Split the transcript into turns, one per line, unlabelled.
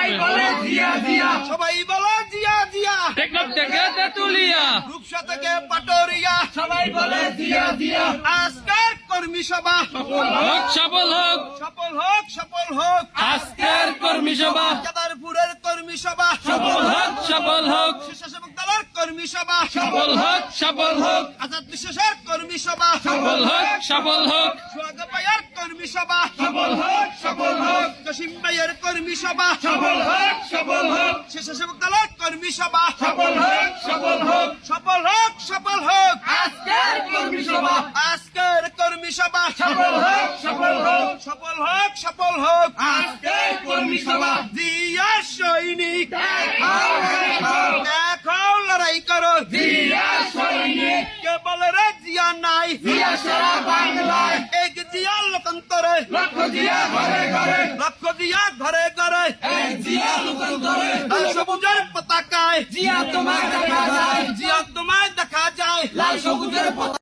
বলে জিয়া জিয়া,
সবাই বলে জিয়া জিয়া,
টেকনাফ থেকে তেতুলিয়া,
রূপসা থেকে পাটোরিয়া,
সবাই বলে জিয়া জিয়া।
আজকের কর্মী সভা
হোক সফল হোক,
সফল হোক, সফল হোক।
আজকের কর্মী সভা
কেদারপুরের কর্মী সভা
সফল হোক, সফল হোক,
স্বেচ্ছাসেবক দলের কর্মী সভা
সফল হোক, সফল হোক,
আজাদ বিশ্বাসের কর্মী সভা
সফল হোক, সফল হোক,
সোহাগ ভাইয়ের কর্মী সভা
সফল হোক, সফল হোক,
জসিম ভাইয়ের কর্মী সভা
সফল হোক, সফল হোক,
স্বেচ্ছাসেবক দলের কর্মী সভা
সফল হোক, সফল হোক।
সফল হোক, সফল হোক।
আজকের কর্মী সভা
আজকের কর্মী সভা
সফল হোক, সফল হোক,
সফল হোক, সফল হোক।
আজকের কর্মী সভা
জিয়া সৈনিক
দেখাও, দেখাও,
এখন লড়াই করো,
জিয়া সৈনিক,
কে বলে রে জিয়া নাই,
জিয়া সারা বাংলায়,
এক জিয়া লোকান্তরে,
লক্ষ জিয়া ঘরে ঘরে,
লক্ষ জিয়া ঘরে ঘরে,
এক জিয়া লোকান্তরে,
লাল সবুজের পতাকায়
জিয়া তোমায় দেখা যায়,
জিয়া তোমায় দেখা যায়।
লাল সবুজের পতাকা